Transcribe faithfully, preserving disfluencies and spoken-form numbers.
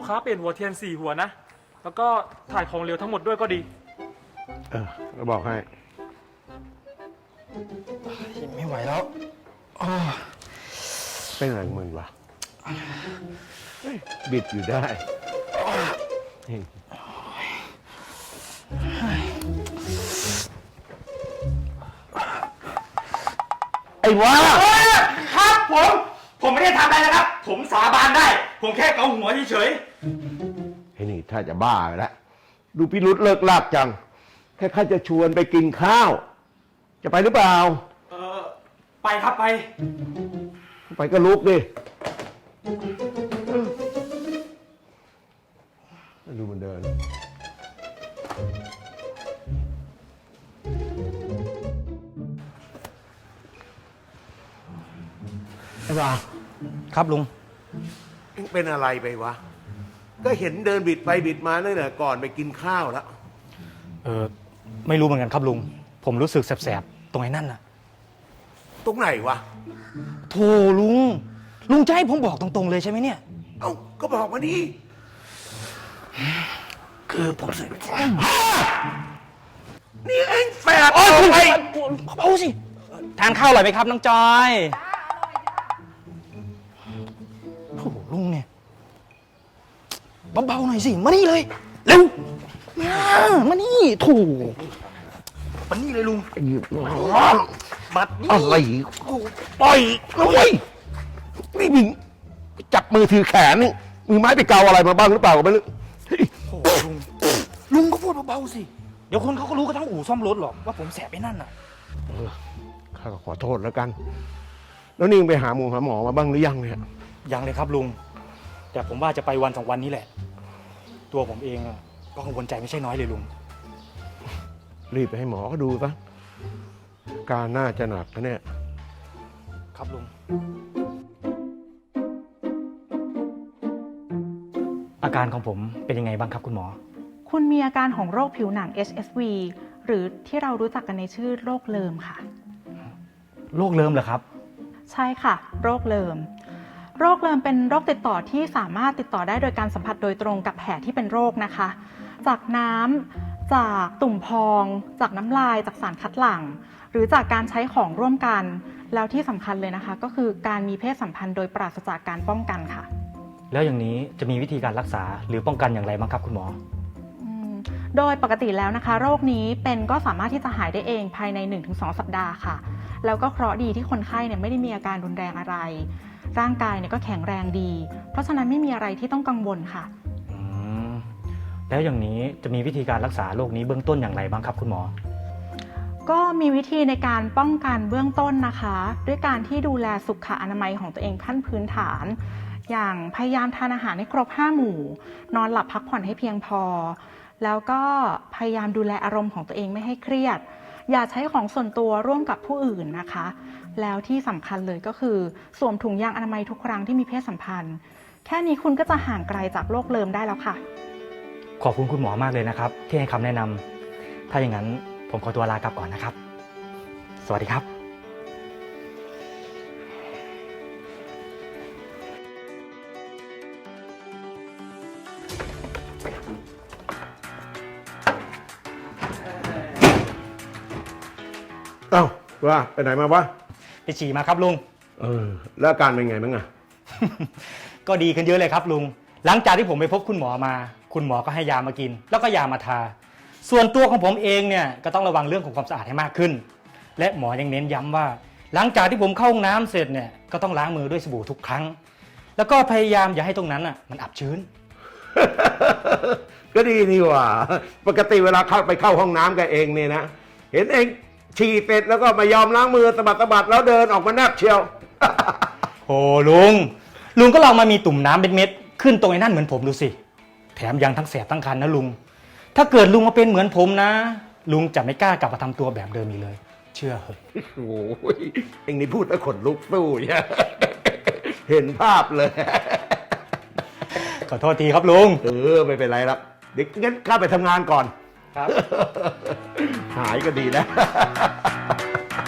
ค้าเปลี่ยนหัวเทียนสี่หัวนะแล้วก็ถ่ายของเหลวทั้งหมดด้วยก็ดีเออเราบอกให้ไม่ไหวแล้วเป็นอะไรมึงวะบิดอยู่ได้ไอ้วะครับผมผมไม่ได้ทำอะไรนะครับผมสาบานได้ผมแค่เกาหัวเฉยไอ้นี่ถ้าจะบ้าไปแล้วดูพิรุษเลิกลากจังแค่ข้าจะชวนไปกินข้าวจะไปหรือเปล่าเออไปครับไปไปก็ลุกดิดูมันเดินไอ้บ้าครับลุงเป็นอะไรไปวะก็เห็นเดินบิดไปบิดมาตั้งแต่ก่อนไปกินข้าวแล้วเออไม่รู้เหมือนกันครับลุงผมรู้สึกแสบๆตรงไอ้นั่นน่ะตรงไหนวะโธ่ลุงลุงจะให้ผมบอกตรงๆเลยใช่ไหมเนี่ยเอ้าก็บอกมาดิคือผมสึกนี่เองแฝดโอ้ยคุณเบาสิทานข้าวอร่อยไหมครับน้องจอยโอ้ลุงเนี่ยเบาๆหน่อยสิมานี่เลยเร็วมานี่ถูกมานี่เลยลุงบัดนี่อะไรปล่อยนะเว้ยนี่มึงจับมือถือแขนนี่มือไม้ไปเกาอะไรมาบ้างหรือเปล่าก็ไม่รู้โอ้ลุงลุงก็พูดเบาๆสิเดี๋ยวคนเขาก็รู้กันทั้งอู่ซ่อมรถหรอกว่าผมแสบไปนั่นน่ะข้าก็ขอโทษแล้วกันแล้วนี่ไปหาหมอหาหมอมาบ้างหรือยังเนี่ยยังเลยครับลุงแต่ผมว่าจะไปวันสองวันนี้แหละตัวผมเองก็กังวลใจไม่ใช่น้อยเลยลุงรีบไปให้หมอเขาดูซะการน่าจะหนักนะเนี่ยครับลุงอาการของผมเป็นยังไงบ้างครับคุณหมอคุณมีอาการของโรคผิวหนัง เอช เอส วี หรือที่เรารู้จักกันในชื่อโรคเลิมค่ะโรคเลิมเหรอครับใช่ค่ะโรคเลิมโรคเลิมเป็นโรคติดต่อที่สามารถติดต่อได้โดยการสัมผัสโดยตรงกับแผลที่เป็นโรคนะคะจากน้ำจากตุ่มพองจากน้ำลายจากสารคัดหลั่งหรือจากการใช้ของร่วมกันแล้วที่สำคัญเลยนะคะก็คือการมีเพศสัมพันธ์โดยปราศจากการป้องกันค่ะแล้วอย่างนี้จะมีวิธีการรักษาหรือป้องกันอย่างไรบ้างครับคุณหมอโดยปกติแล้วนะคะโรคนี้เป็นก็สามารถที่จะหายได้เองภายใน หนึ่งถึงสอง สัปดาห์ค่ะแล้วก็เคราะห์ดีที่คนไข้เนี่ยไม่ได้มีอาการรุนแรงอะไรร่างกายเนี่ยก็แข็งแรงดีเพราะฉะนั้นไม่มีอะไรที่ต้องกังวลค่ะแล้วอย่างนี้จะมีวิธีการรักษาโรคนี้เบื้องต้นอย่างไรบ้างครับคุณหมอก็มีวิธีในการป้องกันเบื้องต้นนะคะด้วยการที่ดูแลสุขอนามัยของตัวเองขั้นพื้นฐานอย่างพยายามทานอาหารให้ครบห้าหมู่นอนหลับพักผ่อนให้เพียงพอแล้วก็พยายามดูแลอารมณ์ของตัวเองไม่ให้เครียดอย่าใช้ของส่วนตัวร่วมกับผู้อื่นนะคะแล้วที่สำคัญเลยก็คือสวมถุงยางอนามัยทุกครั้งที่มีเพศสัมพันธ์แค่นี้คุณก็จะห่างไกลจากโรคเลิมได้แล้วค่ะขอบคุณคุณหมอมากเลยนะครับที่ให้คำแนะนำถ้าอย่างนั้นผมขอตัวลากลับก่อนนะครับสวัสดีครับเอ้าว่าไปไหนมาวะไปฉี่มาครับลุงเออแล้วอาการเป็นไงบ้างอะก็ดีขึ้นเยอะเลยครับลุงหลังจากที่ผมไปพบคุณหมอมาคุณหมอก็ให้ยามากินแล้วก็ยามาทาส่วนตัวของผมเองเนี่ยก็ต้องระวังเรื่องของความสะอาดให้มากขึ้นและหมอยังเน้นย้ำว่าหลังจากที่ผมเข้าห้องน้ำเสร็จเนี่ยก็ต้องล้างมือด้วยสบู่ทุกครั้งแล้วก็พยายามอย่าให้ตรงนั้นอ่ะมันอับชื้นก็ดีนี่หว่าปกติเวลาเข้าไปเข้าห้องน้ำกันเองเนี่ยนะเห็นเองฉี่เสร็จแล้วก็มายอมล้างมือสะบัดสะบัดแล้วเดินออกมาแนบเชียวโอ้ลุงลุงก็ลองมามีตุ่มน้ำเป็นเม็ดขึ้นตรงไอ้นั่นเหมือนผมดูสิแถมยังทั้งแสบทั้งคันนะลุงถ้าเกิดลุงมาเป็นเหมือนผมนะลุงจะไม่กล้ากลับมาทำตัวแบบเดิมอีกเลยเชื่อเหรอโอ้ยเองนี่พูดแล้วขนลุกสู้เนี่ยเห็นภาพเลยขอโทษทีครับลุงเออไม่เป็นไรหรอกเดี๋ยวงั้นข้าไปทำงานก่อนครับหายก็ดีนะ